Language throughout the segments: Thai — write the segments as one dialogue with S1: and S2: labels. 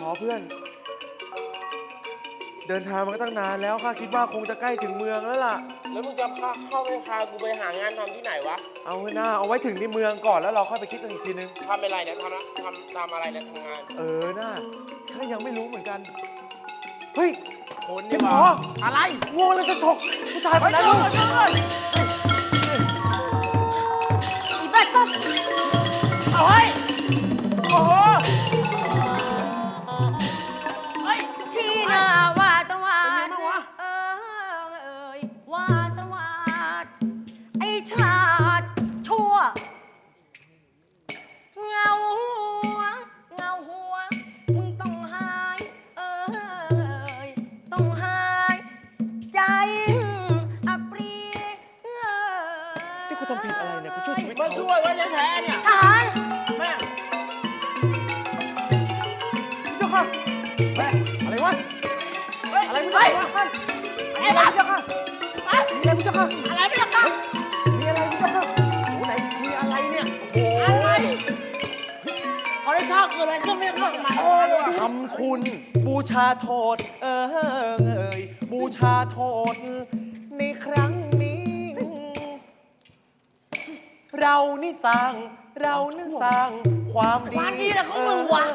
S1: อเพื่อนเดินทางมาก็ตั้งนานแล้วข้าคิดว่าคงจะใกล้ถึงเมืองแล้วล่ะ
S2: แล้วมึงจะเข้าไปพากูไปหางานทำที่ไหนวะ
S1: เอาไว้หน้าเอาไว้ถึงในเมืองก่อนแล้วเราค่อยไปคิดกันอีกทีนึง
S2: ทำอะไรเนี่ยทำอะไรเนี่ยทำงาน
S1: หน้าข้ายังไม่รู้เหมือนกันเฮ้ย
S2: คนนี่วะ
S1: อะไรงูเราจะฉกผู้ชายคนนั้น
S3: อีบ้าต้น
S2: เอาเฮ้ยโอ้โห
S3: ชีนาว่าตะวันว่าตะวันไอชาติชั่วเงาหัวมึงต้องหายต้องหายใจอับปรี
S1: นี่กูทำผิดอะไรเนี่ยกูช่วยชีวิต
S2: มาช่วยไว้แท้ๆเนี่ย
S3: ทหาร
S2: แม่
S1: เจ้าค่ะแม่อะไรวะอะไรไม่ได้ท่านอะไรบ้างเจ้าค่ะมีอะไรเจ้าค่ะ
S2: อะไรไม่ล่ะครับ
S1: มีอะไรเจ้าค่ะโอ้ไหนมีอะไรเนี่ย
S2: อะไรขอได้ชอบเกิดอะไรขึ้นไม่รู้
S1: ทำคุณบูชาโทษบูชาโทษในครั้งนี้เรานี่สร้างความดี
S2: ดีแหละของมึงวะ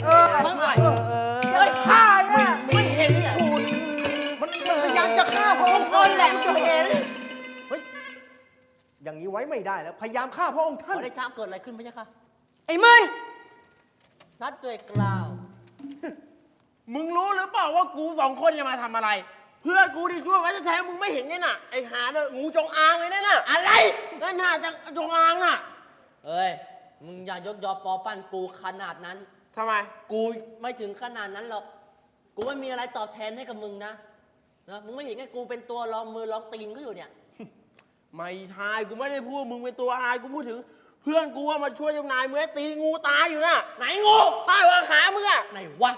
S1: ข้าเนี่ยไม่เห็นคุณ
S2: มันพยายามจะฆ่าพระองค์ท่านแหละจะเห็น
S1: เฮ้ยอย่างนี้ไว้ไม่ได้แล้วพยายามฆ่าพระองค์ท่าน
S4: ขอได้ช้าเกิดอะไรขึ้นไหมจ๊ะคะ
S3: ไอ้มึน
S4: นัดด้วยกล่าว
S2: มึงรู้หรือเปล่าว่ากูสองคนจะมาทำอะไรเพื่อนกูที่ช่วยไว้จะใช้มึงไม่เห็นนี่น่ะไอ้หาเนี่ยงูจงอางเลยน่ะ
S4: อะไร
S2: นั่นน่ะจงอางน่ะ
S4: เอ้ยมึงอย่ายกยอปอปั้นกูขนาดนั้น
S2: ทำไม
S4: กูไม่ถึงขนาดนั้นหรอกกูไม่มีอะไรตอบแทนให้กับมึงนะมึงไม่เห็นไงกูเป็นตัวรองมือรองตีนก็อยู่เนี่ย
S2: ไม่ใช่กูไม่ได้พูดมึงเป็นตัวอายกูพูดถึงเพื่อนกูว่ามาช่วยเจ้านายมึงให้ตีงูตายอยู่น่ะไหนงูตายวางขามึงอะ
S4: ไหนวะ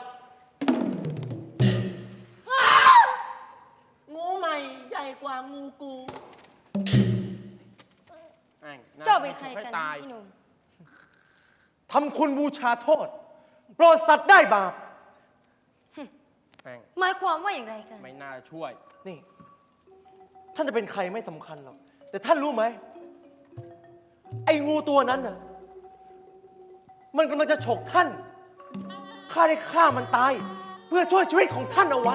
S4: งูใหม่ใหญ่กว่างูกู
S3: เจ้าเป็นใครกันพี่หนุ่ม
S1: ทำคุณบูชาโทษโปรดสัตว์ได้บาป
S3: หมายความว่าอย่างไรกัน
S2: ไม่น่าช่วย
S1: นี่ท่านจะเป็นใครไม่สำคัญหรอกแต่ท่านรู้ไหมไอ้งูตัวนั้นน่ะมันกำลังจะฉกท่านข้าได้ฆ่ามันตายเพื่อช่วยชีวิตของท่านเอาไว้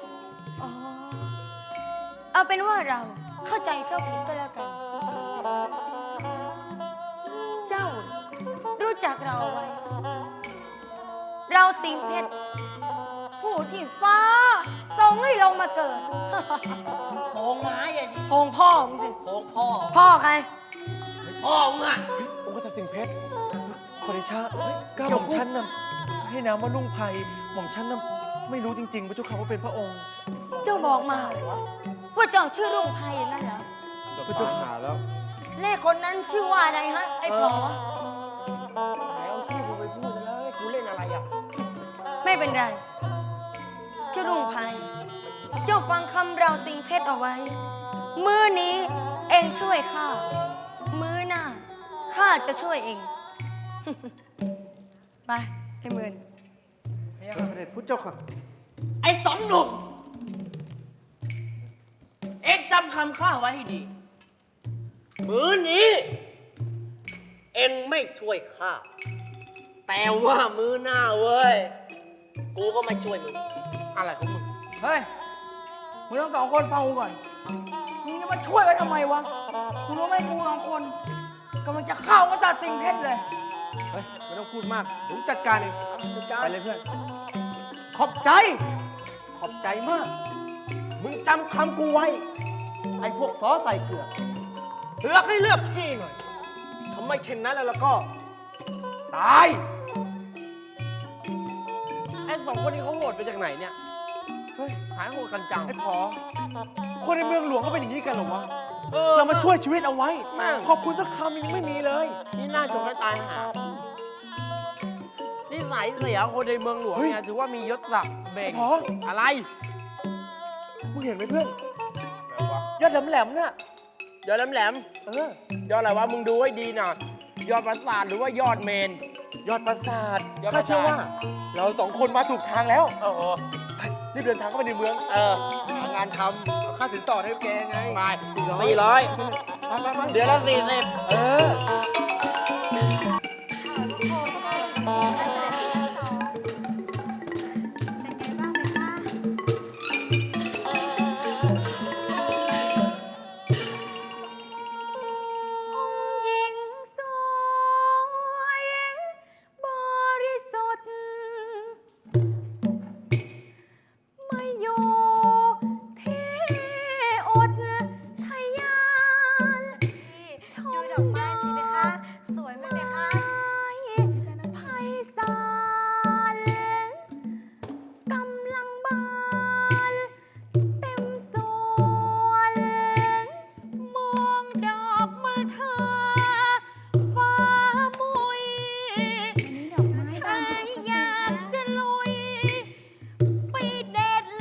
S3: เอาเป็นว่าเราเข้าใจเจ้าผิดก็แล้วกันเจ้ารู้จักเราไว้เราสิงเพชรผู้ที่ฟ้าทรงให้ลงมาเกิด
S4: โพงไม้อะดิ
S3: โพงพ่อมึงสิ
S4: โพงพ่อ
S3: ใคร
S4: พ่อมึงอะ
S1: องค์กษัตริย์สิงห์เพชรขอเดชะก้าวหม่อมฉันน่ะให้นามว่าลุงไพหม่อมฉันน่ะไม่รู้จริงๆพระเจ้าค่ะว่าเป็นพระองค์
S3: เจ้าบอกมาว่าเจ้าชื่อลุงไพนั่นเหรอ
S1: พระเจ้าค่ะแล้ว
S3: เลขคนนั้นชื่อว่าอะไรฮะไอ้ผอ
S2: แล้วชื่อกูไปพูดแล้วกูเล่นอะไรอ่ะ
S3: ไม่เป็นไรเจ้าลุงไพเจ้าฟังคำเราสิงเพชรเอาไว้มื้อนี้เองช่วยข้ามื้อหน้าข้าจะช่วยเองไปไอ้หมื่น
S1: เสด็จพุทธเจ้าค่ะ
S4: ไอ้สองหนุ่มเอ็งจำคำข้าไว้ให้ดีมื้อนี้เอ็งไม่ช่วยข้าแต่ว่ามื้อหน้าเว้ยกูก็ไม่ช่วยมึง
S2: อะไรของมึง
S5: เฮ้ยมึงทั้งสองคนฟังกูก่อนมึงจะมาช่วยไว้ทำไมวะมึงรู้ไหมกูสองคนกำลังจะเข้ามาจัดสิงเพชรเลย
S1: เฮ้ยไม่ต้องพูดมากเดี๋ยวจัดการเองไปเลยเพื่อนขอบใจมากมึงจำคำกูไว้ไอ้พวกซอใส่เกลือเลือกให้เลือกที่หน่อยทำไมเช่นนั้นแล้วก็ตาย
S2: ไอ้สองคนนี้เขาโหดไปจากไหนเนี่ยเฮ้ยหายโหดกันจัง
S1: ไอ้พอคนในเมืองหลวงก็เป็นอย่างนี้กันเหรอวะเรามาช่วยชีวิตเอาไว้ขอบคุณสักคำยังไม่มีเลย
S2: นี่น่าจงให้ตายหานี่สายเสียคนในเมืองหลวงเนี่ยถือว่ามียศศักดิ์เบ่งอะไร
S1: มึงเห็นไหมเพื่อนยอดแหลมๆเนี่ย
S2: ยอดแหลมยอดอะไรวะมึงดูให้ดีหน่อยยอดปราสาทหรือว่ายอดเมน
S1: ยอดปราสาท
S2: ยอดปราสาท
S1: ข้าเชื่อว่า เราสองคนมาถูกทางแล้ว
S2: โอ้โห
S1: ไปรีบเดินทางเข้าไปในเมือง หางานทำเอาค่าสินสอดให้แกไง
S2: ไป
S1: 400
S2: 400 เดือนละ40
S1: เออ
S3: หญิงสวยบริสุทธิ์ไม่อยู่ที่อุทยานชมดอกไม้สิเพคะ สวยไหมเพคะไพศาลกำลังบานเต็มสวน มองดอกมะทาฟ้ามุยฉันอยากจะลุยไปเด็ด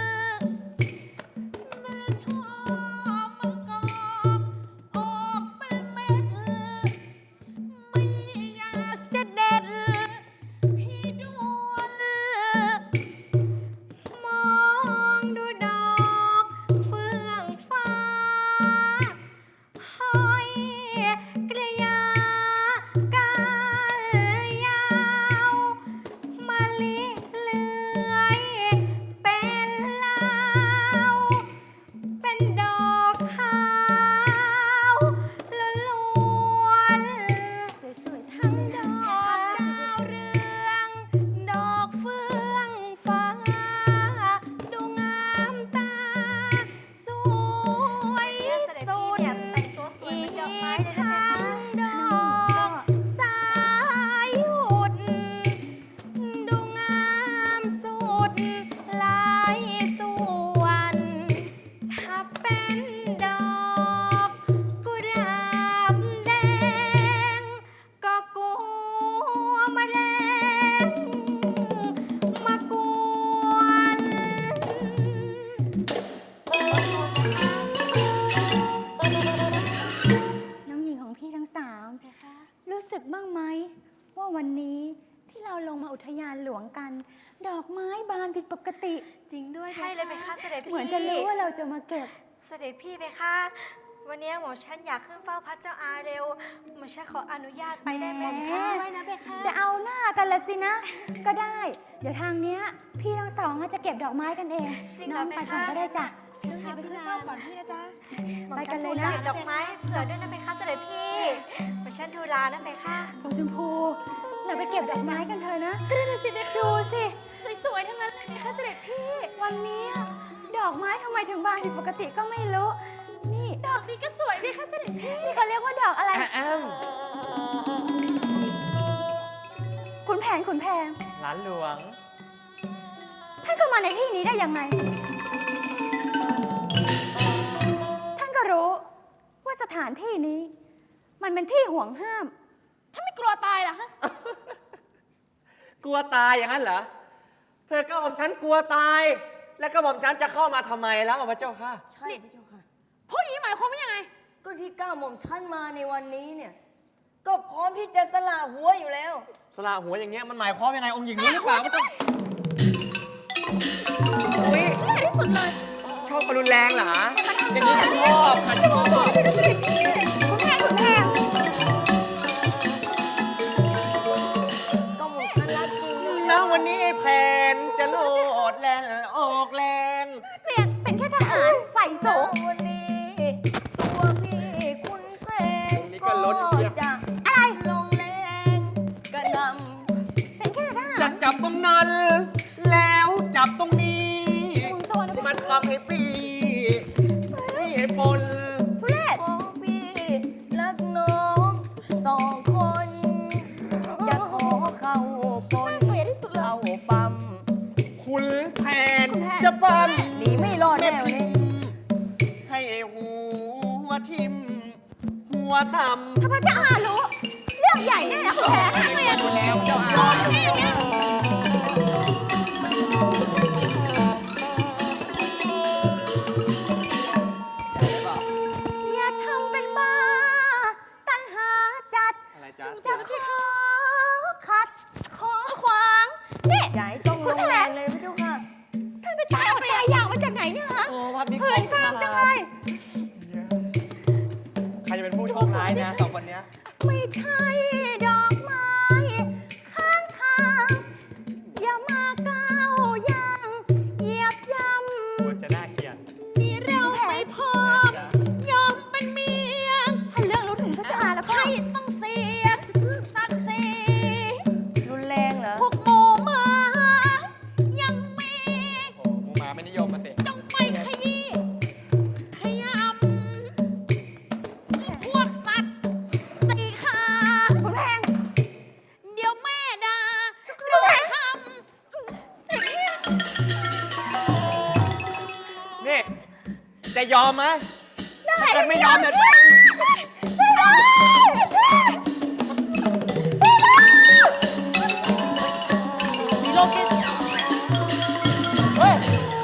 S3: มันชอบมันกอบออกเป็นเม็ดไม่อยากจะเด็ดพี่ด่วนมองดูดอกเฟื่องฟ้า ห้อยกระยากาลยาวมะลิเลื้อยเป็นลาวเป็นดอกขาวล้วนๆสวยๆทั้งดอกดาวเรืองดอกเฟื่องฟ้า ดูงามตา สวยสุดอีกทั้งดอกสายหุดดูงามสุดหลายส่วน ถ้าเป็นดอกกุหลาบแดง ก็กลัวแมลงมากวน
S6: น้องหญิงของพี่ทั้งสามรู้สึกบ้างไหมว่าวันนี้ที่เราลงมาอุทยานหลวงกัน ดอกไม้บานผิดปกติ
S3: จริงด้วยใช่เลยเพคะเสด็จพี่
S6: เหมือนจะรู้ว่าเราจะมาเก็บ
S3: เสด็จพี่เพคะวันนี้หมอฉันอยากขึ้นเฝ้าพระเจ้าอาเร็วหมอฉันขออนุญาตไปได้ไหม
S6: แหม
S3: ฉันด้วยนะเพคะ
S6: จะเอาหน้ากันละสินะ ก็ได้ เดี๋ยวทางเนี้ยพี่ทั้งสองจะเก็บดอกไม้กันเอง
S3: จริงเหร
S6: น้
S3: อ
S6: อง
S3: เพ
S6: ไป
S3: คะ
S6: ก่อนก็ได้จ้ะ
S3: เดี๋ยวไปขึ้นเฝ้าก่อนพี่นะจ๊ะ
S6: ไปกันเลยนะ
S3: ดอกไม้เผื่อด้วยนะเพคะเสด็จพี่หมอฉันทูลานะเพคะ
S6: ของชมพูเราไปเก็บดอกไม้กันเถอะนะก็ได้สิดูสิสวยๆทั้งนั้นเลยนะคะเสด็จพี่ วันนี้ดอกไม้ทำไมถึงบานผิดปกติก็ไม่รู้ นี่ดอกนี้ก็สวยสิคะเสด็จพี่นี่เขาเรียกว่าดอกอะไร ขุนแผน
S1: หลานหลวง
S6: ท่านเข้ามาในที่นี้ได้ยังไง ท่านก็รู้ว่าสถานที่นี้ มันเป็นที่ห่วงห้ามท่านไม่กลัวตายเหรอฮะ
S4: กลัวตายอย่างนั้นเหรอ เธอก็บอกฉันกลัวตาย แล้วก็บอกฉันจะเข้ามาทำไมแล้วพระเจ้าค่ะ
S7: ใช่พระเจ้าค่ะ
S6: พูดอย่างนี้หมายความว่ายังไง
S7: ก็ที่ก้าวหม่อมชั้นมาในวันนี้เนี่ย ก็พร้อมที่จะสละหัวอยู่แล้ว
S4: สละหัวอย่างเงี้ยมันหมายความยังไงองค์หญิงรู้หรือเปล่า
S1: อุ้ย
S6: แย่ที่สุดเลย
S1: ชอบคนรุนแรงเหรอ
S4: อย่างนี้ฉันชอบค่ะชอบ
S6: ขุนแผน
S7: ก็หม่อมชั้นรักจริงนะ
S4: แล้ววันนี้ไอ้แผนจะโลดแลนออกแรง
S6: เปลี่ยนเป็นแค่ทหารฝ่ายสูง
S7: วันนี้ตัวพี่คุณแพง
S1: นี่ก็ลดเชียว
S7: จะ
S6: อะไร
S7: ลงแรงกระหน
S6: เป็นแค่ทหาร
S4: จะจับตรงนั้น แล้วจับตรงนี้
S6: คุมตัวนะ
S4: มันทำให้พี่พี่ไอ้ปน
S6: ทุเรศ
S7: ำของพี่รักน้องสองคน จะขอเข้าปน
S6: น่าเกลียดที่สุดเลย
S7: เข้าปั๊ม
S4: คุณแผนจะปั้ม
S7: หนีไม่รอดแน่วันนี้
S4: ให้ไอ้หัวทิ่มหัวต่ำ
S6: ถ้าพระเจ้าอารู้ เรื่องใหญ่แน่นะคุณแผน
S4: ไม่ได้อยู่แล้วเจ้าอา
S6: โดนแค่อย่างเงี้ยอย่าทำเป็นบ้า ตัณหาจัด
S1: อะไรจ๊ะ
S6: จะขอขัดขอขวางนี่
S7: อย่าให้ต้องลงแรงเลยพี่เจ้าค่ะ
S6: ท่านไปตายเอาไปอย่างมาจากไหนเนี่ยฮะ
S1: โอ้ภาพนี้
S6: เหินตามจังเลย
S1: ใครจะเป็นผู้โชคร้ายนะสองคนเนี้ย
S6: ไม่ใช่ดอกไม้ข้างทางอย่ามาก้าวย่างเหยียบย่ำ
S1: ควรจะน่าเกลียด
S6: นี่เราไม่พอยอมเป็นเมียถ้าเรื่องรู้ถึงพระเจ้าแล้วก็ให้ต้องเสียศักดิ์ศรี
S7: รุนแรงเหรอ
S6: พวกหมูหมายังมี
S1: โอ้มูมาไม่นิยมมาสิ
S6: จงไปขยี้ขยำพวกสัตว์สีขาคุณแพงเดี๋ยวแม่ด่าเราทำเสีย
S1: นี่ จะยอมไหมถ้าเกิดไม่ยอมเนี่ย
S6: ช่วยด้วยมีโลกิน
S1: เฮ้ย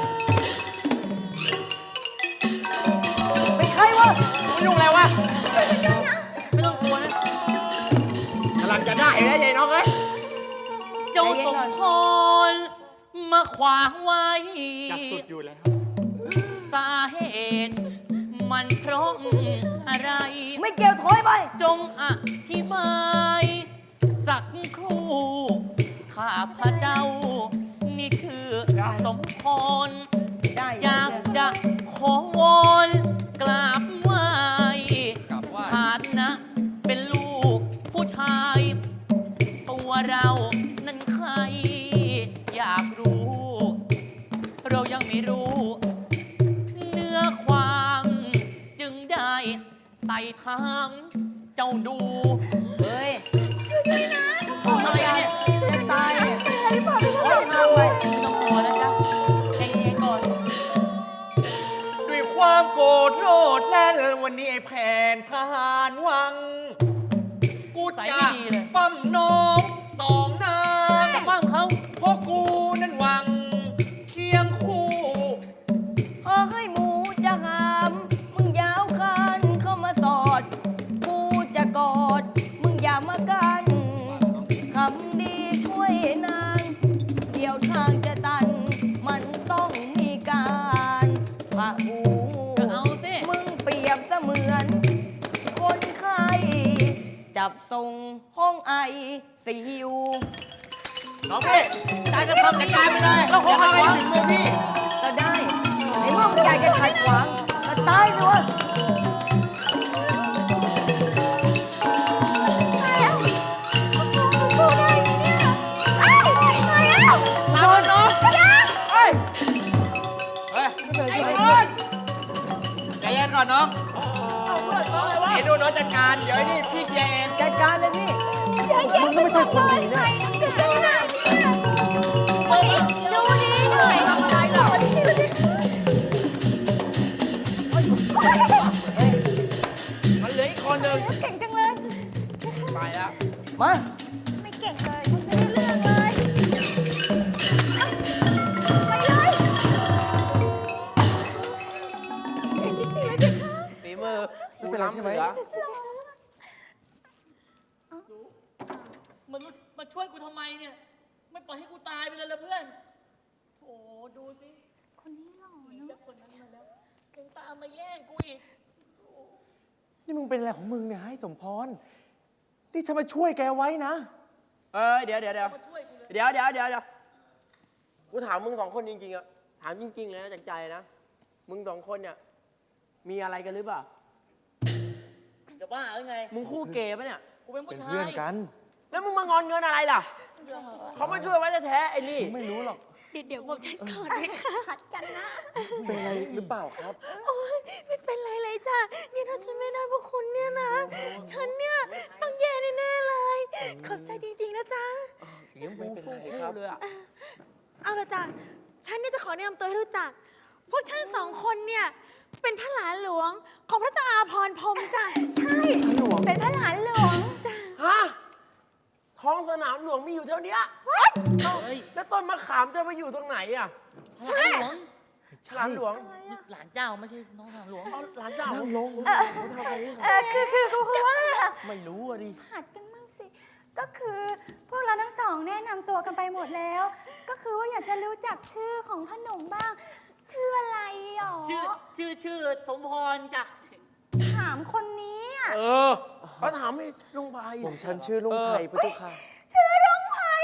S7: เป็นใครวะ
S1: มึงยุ่งอะไรวะ
S2: ไม่ต้องกลัวนะ
S1: กำลังจะได้แล้วยายน้องเอ้ย
S4: เจ้าสมพรมาขวางไว้
S1: จับสุดอยู่แล้ว
S4: สาเหตุมันเพราะอะไร
S7: ไม่เกี่ยวถอยไป
S4: จงอธิบายสักครู่ข้าพระเจ้า นี่ชื่อสมพร
S7: ได้
S4: อยากจะขอวอนกราบไหว้
S1: กราบไหว้
S4: ฐานะเป็นลูกผู้ชาย ตัวเรานั้นใคร อยากรู้ เรายังไม่รู้ เนื้อความจึงได้ไต่ถามเจ้าดู
S7: เฮ้ย
S6: ช่วยด้วยนะ
S4: ทำอะไรเนี่ย
S7: จะตายเนี่ย
S6: เป็นอะไรหรือเปล่าพี่
S7: ถอยห่างไป
S4: ไม่ต้องกลัวนะจ๊ะใจเย็นก่อน
S1: ด้วยความโกรธโลดแล่นวันนี้ไอ้แผนทหารวัง กู
S4: ใส่
S1: จะ
S4: ไม่ดีเลย
S1: ปั้มน้องสองนาง
S4: จะบ้างเขา
S1: เพราะกูนั้นหวังเคียงคู่
S7: พอให้หมูจะหาม มึงอยาวคันเข้ามาสอด กูจะกอด มึงอย่ามากันคำดีช่วยนาง เดี๋ยวทางจะตัน มันต้องมีการพะหู
S4: ก็เอาสิ
S7: มึงเปรียบเสมือน คนไข้จับส่งห้องไอซียู
S1: น้องพี่การจะทำจัดการไปเลยแล้วของอะไรถึงมือพี่
S7: ก็ได้ในเมื่อมึงอยากจะขัดขวางก็ตายสิวะ
S6: สู้ได้ไหมเนี่ยเอ้ยตายแล้ว
S1: ตามมันน้อง
S6: กระดาษ
S1: เฮ้ย เฮ้ยไอ้คนใจเย็นก่อนน้องไอ้ดูน้องจัดการ เดี๋ยวไอ้นี่พี่เคลียร์เอง
S7: จัดการเลยพี่
S6: มึงไม่ใช่คนดีนะจะสู้ได้เนี่ยดูนี่หน่อยทำอะไรหรอ
S2: มันเหลืออีกคนหนึ่ง
S6: เก่งจังเลย
S2: ไปแล้ว
S7: มา
S6: ไม่เก่งเลยไม่ได้เรื่องเลยไปเลยเก่งจริงๆเลยเด็กค่ะ
S2: ฝีมือกูล้ำเหลือ
S4: มันมาช่วยกูทำไมเนี่ย ไม่ปล่อยให้กูตายไปเลยละเพื่อนโถดูสิ
S6: คนนี้หล่อ
S4: มี
S6: เนาะ
S4: เจ้าคนนั้นมาแล้วยังตามมาแย่งกูอีก
S1: นี่มึงเป็นอะไรของมึงเนี่ยให้สมพร นี่ฉันมาช่วยแกไว้นะ
S2: เดี๋ยว
S4: มาช่วยกูเลย
S2: เดี๋ยวกูถามมึงสองคนจริงๆอะถามจริงๆเลยนะจากใจนะ มึงสองคนเนี่ย มีอะไรกันหรือเปล่า
S4: จะบ้าหรือไง
S2: มึงคู่เกย์ปะเนี่ย
S4: กูเป็นผู้
S1: เป็น
S4: ชาย
S1: เพื่อนกัน
S2: แล้วมึงมางอนเงินอะไรล่ะ เขามาช่วยไว้แท้ๆไอ้นี่
S1: ไม่รู้หรอก
S6: เดี๋ยวบอกฉันก่อนเลยค่ะหัดกันนะ
S1: เป็นอะไรหรือเปล่าครับ
S6: โอ๊ยไม่เป็นไรเลยจ้ะนี่ถ้าฉันไม่ได้พวกคุณเนี่ยนะ ฉันเนี่ยต้องแย่แน่ๆเลย ขอบใจจริงๆนะจ๊ะ
S2: ไม่เป็นไรครับเลยอะ
S6: เอาละจ้ะ ฉันเนี่ยจะขอแนะนำตัวให้รู้จัก พวกฉันสองคนเนี่ยเป็นพระหลานหลวงของพระเจ้าอาภรณ์พรหมจ้ะ ใช่ เป็นพระหลานหลวงจ้ะ
S2: ฮะ ท้องสนามหลวงมีอยู่เท่าเนี้ยเอ้าแล้วต้นมะขามจะไปอยู่ตรงไหนอะ
S4: หลานหลวง
S2: ฉลามหลวง
S4: หลานเจ้าไม่ใช่น้องหลานหลวง
S2: เอาหลานเจ้าลง
S6: คือว่า
S2: ไม่รู้อะดิ
S6: หัดกันมั่งสิก็คือพวกเราทั้งสองแนะนำตัวกันไปหมดแล้ว ก็คือว่าอยากจะรู้จักชื่อของพ่อหนุ่มบ้าง ชื่ออะไรหรอ
S4: ชื่อสมพรจ้ะ
S6: ถามคนนี้อะ
S2: เขาถามให้ลุงไพ
S1: ผมฉันชื่อลุงไพพระเจ้าค่ะ
S6: ชื่อลุงไผ่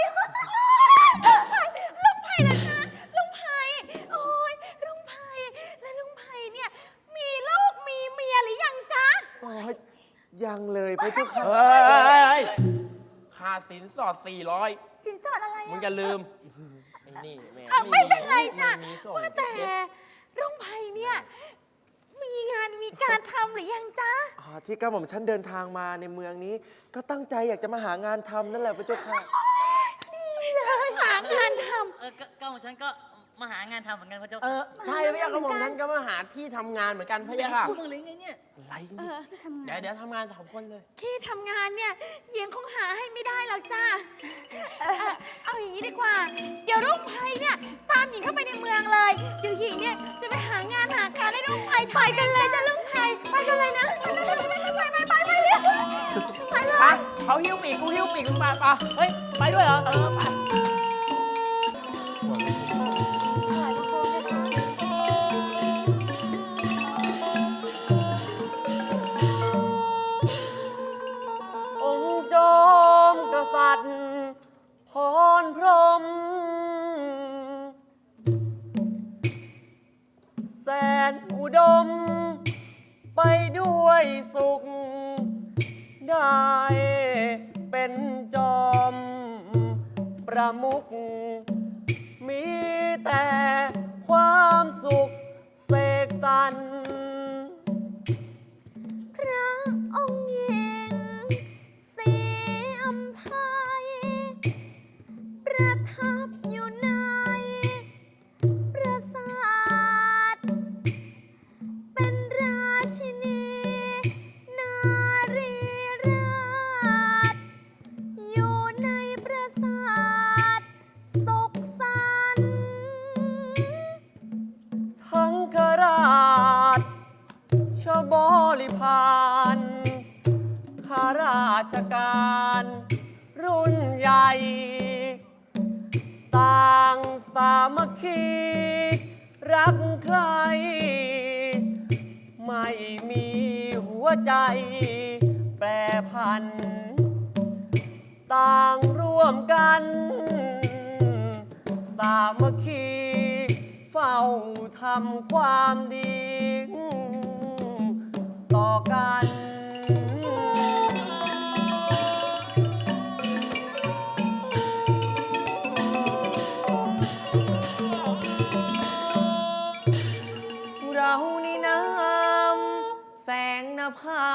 S6: ลุงไผ่เหรอคะลุงไผ่โอ้ยลุงไผ่แล้วลุงไผ่เนี่ยมีลูกมีเมียหรือยังจ๊ะ
S1: อ๋อ ยังเลยพระเจ้าค่ะ
S2: เฮ้ยค่าสินสอด 400
S6: สินสอดอะไร
S2: มึง
S6: อะ
S2: อย่าลืม ไอ้นี่แม่
S6: เอาไม่เป็นไรจ้ะ
S2: ไม่มีส่ง
S6: ว่าแต่ลุงไผ่เนี่ยมีงานมีการทำหรือยังจ๊ะ
S1: ที่กระหม่อมฉันเดินทางมาในเมืองนี้ ก็ตั้งใจอยากจะมาหางานทำนั่นแหละพระเจ้าค่ะ
S6: นี่เลยหางานท
S4: ก็ของฉันก็มาหางานทำเหมือนกันพระเจ้า
S2: ใช่พระยาค่ะผมนั้นก็มาหาที่ทำงานเหมือนกันพระยาค่ะ
S4: พวกมึงหรือไงเนี่ย
S1: อะไร
S6: ำ
S1: เนี่ย
S6: ที่ทำงาน
S2: เดี๋ยวทำงาน3 คนเลย
S6: ที่ทำงานเนี่ยยังคงหาให้ไม่ได้หรอกจ้าเอาอย่างนี้ดีกว่า เดี๋ยวรุ่งไพเนี่ยตามหญิงเข้าไปในเมืองเลย เดี๋ยวหญิงเนี่ยจะไปหางานหาการให้รุ่งไพไปกันเลยจ้ะรุ่งไพไปกันเลยนะไปเร็วไปเลย
S2: เขาหิ้วปีกกูหิ้วปีกมึงมาปะเฮ้ย ไปด้วยเหรอ ไป
S8: องค์จอมกษัตริย์พรพรหมแสนอุดม ไปด้วยสุข ได้เป็นจอมประมุขมีแต่ความสุขเสกสรร
S6: พระองค์หญิงศรีอัมพายประทับอยู่ในปราสาทเป็นราชินีนารีราชอยู่ในปราสาทสุขสันต์
S8: ทั้งขราชชบริพารข้าราชการรุ่นใหญ่ ต่างสามัคคีรักใคร ไม่มีหัวใจแปรผัน ต่างร่วมกัน สามัคคีเฝ้าทำความดี ต่อกัน เรานี่น้ำแสงนภา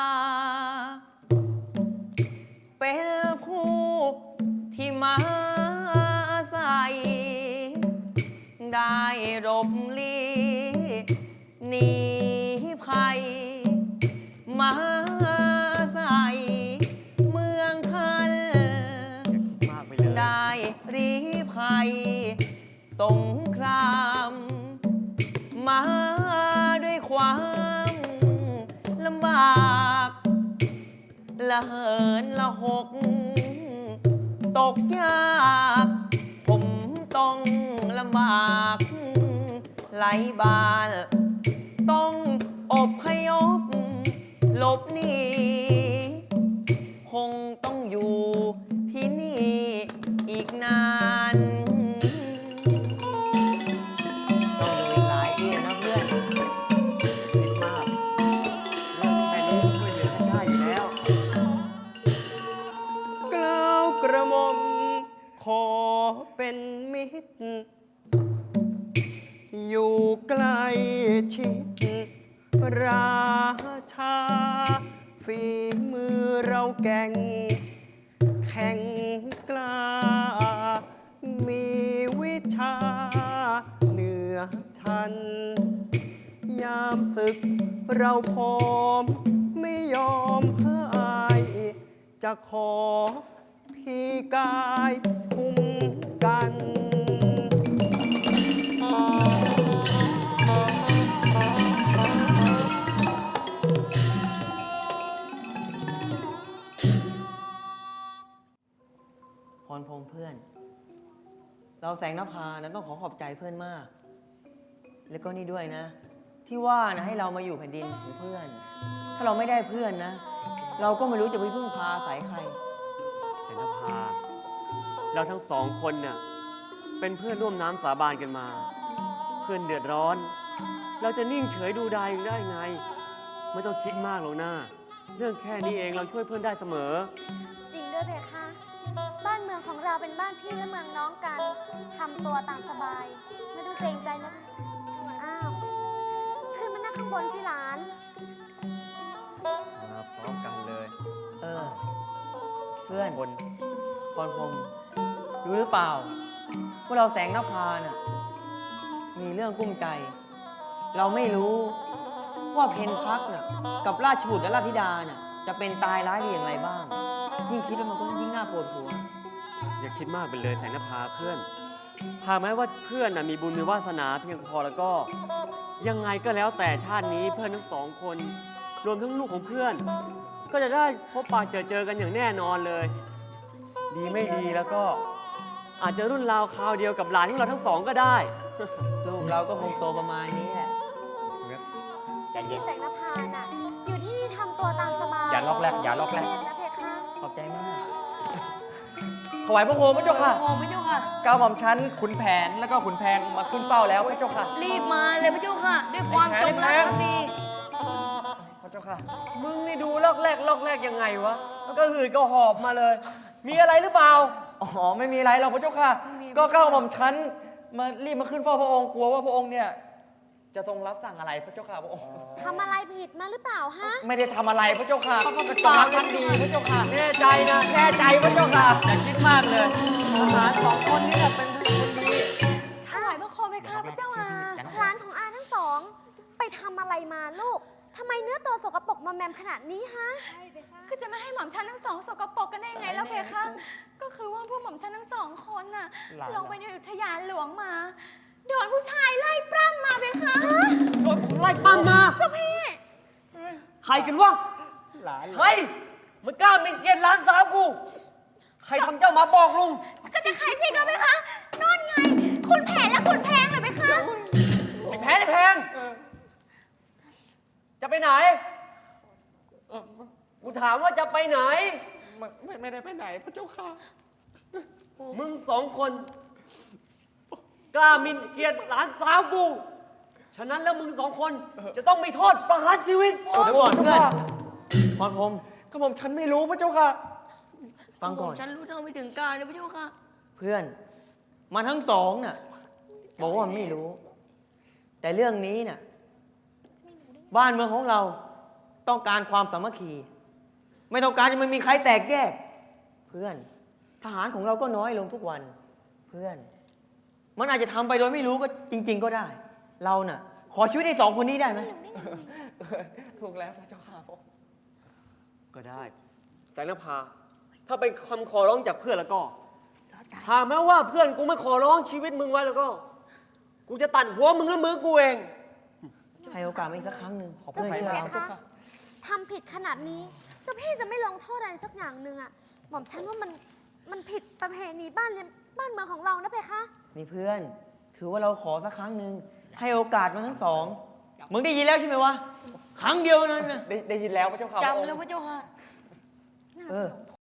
S8: เป็นผู้ที่มาอาศัย ได้รบลีหนีภัย มาอาศัยเมืองคัน
S1: มากไปเลย
S8: ได้รีภัย สงคราม มาด้วยความลำบากละเหินละหก ตกยากผมต้องลำบากไหลบานต้องอบพยพหลบหนีคงต้องอยู่ที่นี่อีกนานต้องอยู่อีกหลายปีนะเพื่อน
S1: คิดมาก เรื่องนี้แค่นี้ช่วยเหลือกันได้อยู่แล้ว
S8: กล้าวกระหม่อมขอเป็นมิตร อยู่ใกล้ชิดราชา ฝีมือเราแก่ง แข่งกล้า มีวิชาเหนือชั้น ยามศึกเราพร้อมไม่ยอมพ่ายจะขอพี่กายคุ้มกัน
S6: พ
S8: พรพรหมเพื่อน เราแสงนภานะต้องขอขอบใจเพื่อนมาก แล้วก็นี่ด้วยนะ ที่ว่านะให้เรามาอยู่แผ่นดินของเพื่อน ถ้าเราไม่ได้เพื่อนนะ เราก็ไม่รู้จะไปพึ่งพาอาศัยใคร
S9: แสงนภาเราทั้งสองคนน่ะเป็นเพื่อนร่วมน้ำสาบานกันมา เพื่อนเดือดร้อน เราจะนิ่งเฉยดูดายอยู่ได้ไง ไม่ต้องคิดมากหรอกนะเรื่องแค่นี้เองเราช่วยเพื่อนได้เสมอ
S6: จริงด้วยเพคะ บ้านเมืองของเราเป็นบ้านพี่และเมืองน้องกันทำตัวตามสบาย ไม่ต้องเกรงใจนะ อ้าว ขึ้นมานั่งข้างบนสิหลาน
S9: มาพร้อมกันเลย
S8: เออ เพื่อน
S9: คน
S8: พรพรหมรู้หรือเปล่าว่าเราแสงนภาน่ะมีเรื่องกุ้มใจ เราไม่รู้ว่าเพนพักน่ะกับราชบุตรและราชธิดาน่ะจะเป็นตายร้ายดีอย่างไรบ้าง ยิ่งคิดแล้วมันก็ยิ่งน่าปวดหัว
S9: อย่าคิดมากไปเลยแสงนภาเพื่อนหากแม้ว่าเพื่อนน่ะมีบุญมีวาสนาเพียงพอแล้วก็ ยังไงก็แล้วแต่ชาตินี้เพื่อนทั้งสองคน รวมทั้งลูกของเพื่อน ก็จะได้พบปะเจอกันอย่างแน่นอนเลย ดีไม่ดีแล้วก็ อาจจะรุ่นราวคราวเดียวกับหลานของเราทั้งสองก็ได้
S8: ลูกเราก็คงโตประมาณนี้แหละ
S6: พี่แสงนภาน่ะ อยู่ที่นี่ทำตัวตามสบาย
S1: อย่าล็อกแรกอย่าล็อกแรก
S6: เล่นนะเพคะ
S8: ขอบใจมาก
S1: ถวายพระโคมพระเจ้าค่ะ
S3: โอ้พระเจ้าค่ะ
S1: ก้าวหม่อมชั้นขุนแผนแล้วก็ขุนแพงมาขึ้นเป้าแล้วพระเจ้าค่ะ
S3: รีบมาเลยพระเจ้าค่ะ ด้วยความจงรักภักดี
S1: พระเจ้าค่ะ
S9: มึงนี่ดูลอกแรกยังไงวะแล้วก็หืดก็หอบมาเลย มีอะไรหรือเปล่า
S1: อ๋อไม่มีอะไรหรอกพระเจ้าค่ะ ก็ก้าวหม่อมชั้นมารีบมาขึ้นเฝ้าพระองค์กลัวว่าพระองค์เนี่ยจะทรงรับสั่งอะไรพระเจ้าค่ะพระองค์
S6: ทำอะไรผิดมาหรือเปล่าฮะ
S1: ไม่ได้ทำอะไรพระเจ้าค่ะ
S3: ปาก
S1: กำลังทันดีพระเจ้าค่ะ
S9: แน่ใจนะ
S1: แน่ใจพระเจ้าค่ะอย่าคิดมากเลยทหารสองคนนี้น่ะเป็นคนดี
S6: ถวายพระโคมเพคะพระเจ้าอาร้านของอาทั้งสอง ไปทำอะไรมาลูก ทำไมเนื้อตัวสกปรกมาแมมขนาดนี้ฮะ
S10: ก็จะไม่ให้หม่อมฉันทั้งสองสกปรกกันได้ยังไงแล้วเพคะ ก็คือว่าพวกหม่อมฉันทั้งสองคนน่ะ
S1: หลาน
S10: ลงไปในอุทยานหลวงมา โดนผู้ชายไล่ปล้ำมาเพคะ
S9: โดนคนไล่ปั้มมา
S10: เจ้าพี่
S9: ใครกันวะ
S1: หลาน
S9: ใครมันกล้าเป็นเกียรติหลานสาวกู ใครทำเจ้ามาบอกลุง
S10: ก็จะใครสิเราเพคะนอนไง คุณแผนและคุณแพงเลยเพคะ
S9: ไอ้แพงไอ้แพง จะไปไหน กูถามว่าจะไปไหน
S1: ไม่ได้ไปไหนพระเจ้าค่ะ
S9: มึงสองคน กล้าหมินเกียรติหลานสาวกู ฉะนั้นแล้วมึงสองคนจะต้องมีโทษประหารชีวิต
S8: เดี๋ยวก่อนเพื่อนพรพรหม
S1: ก็ผมฉันไม่รู้พระเจ้าค่ะ
S8: ฟังก่อน
S3: ฉันรู้เท่าไม่ถึงการนะพระเจ้าค่ะ
S8: เพื่อนมันทั้งสองน่ะบอกว่ามันไม่รู้ แต่เรื่องนี้น่ะบ้านเมืองของเราต้องการความสามัคคี ไม่ต้องการจะมันมีใครแตกแยก เพื่อนทหารของเราก็น้อยลงทุกวัน เพื่อน มันอาจจะทำไปโดยไม่รู้ก็จริง ๆ ก็ได้ เราน่ะ ขอชีวิตไอ้สองคนนี้ได้ไหม
S1: ถูกแล้วพระเจ้าค่ะ
S9: ก็ได้ แสงนภา ถ้าเป็นคำขอร้องจากเพื่อนแล้วก็หากแม้ว่าเพื่อนกูไม่ขอร้องชีวิตมึงไว้แล้วก็ กูจะตัดหัวมึงและมือกูเอง
S8: ให้โอกาสมันอีกสักครั้งหนึ่งขอ
S6: เจ้า
S8: เพื่อน
S6: พี่
S8: เชื่อ
S6: เพ
S8: เรา
S6: คะทำผิดขนาดนี้ เจ้าพี่จะไม่ลงโทษอะไรสักอย่างหนึ่งอะหม่อมฉันว่ามันผิดประเพณีบ้านเมืองของเรานะเพคะ
S8: นี่เพื่อน ถือว่าเราขอสักครั้งหนึ่งให้โอกาสมันทั้งสองมึงได้ยินแล้วใช่ไหมวะครั้งเดียวนั้นนะ
S1: ได้ยินแล้วพระเจ้าค่ะพระอง
S3: จำ
S1: ค์
S3: แล้วพระเจ้าค่ะ
S8: เออ